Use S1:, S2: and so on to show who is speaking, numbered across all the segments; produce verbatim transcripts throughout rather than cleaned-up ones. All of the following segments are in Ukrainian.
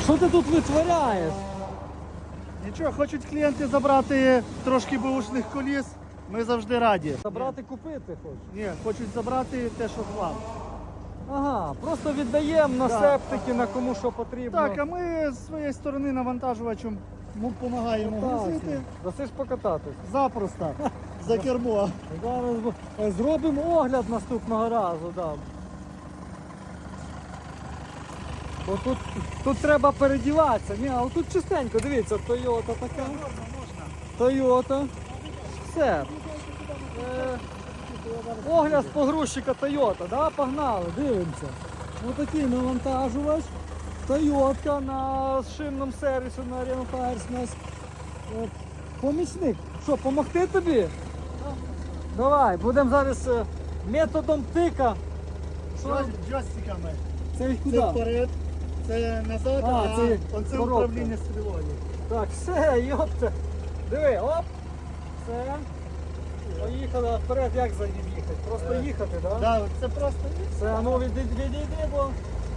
S1: Що ти тут витворяєш?
S2: Нічого, хочуть клієнти забрати трошки бушних коліс, ми завжди раді.
S1: Забрати купити хочеш?
S2: Ні, хочуть забрати те, що хлам.
S1: Ага, просто віддаємо на
S2: Так.
S1: септики, на кому що потрібно.
S2: Так, а ми з своєї сторони навантажувачем допомагаємо грузити.
S1: Дасиш покататись.
S2: Запросто. За кермо.
S1: Зараз бу- е, зробимо огляд наступного разу, да. Бо тут, тут треба передіватися. Ні, а тут чистенько, дивіться, Toyota така. Toyota. Все. Е, огляд з погрузчика Toyota, да? Погнали, дивимося. Ось такий навантажувач. Toyota на шинному сервісі на Arena Tires у нас. Е, помічник. Що, помогти тобі? Давай, будемо зараз е, методом тика. Що?
S2: Джо- Джойстиками.
S1: Це їх
S2: Це
S1: куди?
S2: вперед, це назад,
S1: А,
S2: а,
S1: це
S2: оце
S1: коробка.
S2: управління стрілою.
S1: Так, все, йопта. Диви, оп. Все. Поїхали, а вперед як за ним їхати? Просто
S2: Е,
S1: їхати, так? Да?
S2: Да, це просто
S1: Все, а ну відійди, відійди, бо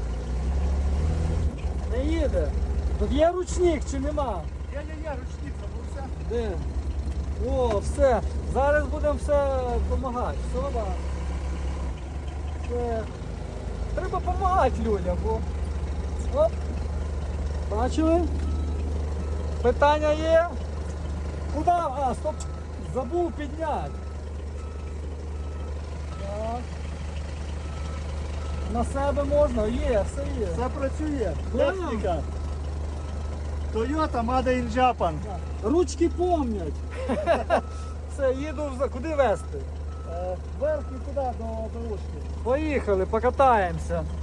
S1: не їде. Тут є ручник чи нема?
S2: я-я-я, ручник забувся.
S1: Де? О, все. Зараз будемо все допомагати. Все, да. Все. Треба допомагати людям, бо. Оп. Бачили? Питання є? Куди? А, стоп! Забув підняти. Так. На себе можна? Є, все є.
S2: Це працює.
S1: Да.
S2: Техніка. Toyota Made in Japan.
S1: Ручки помнять. Все, їду в... Куди везти?
S2: Е, Вверх і туди до дорожки.
S1: Поїхали, покатаємося.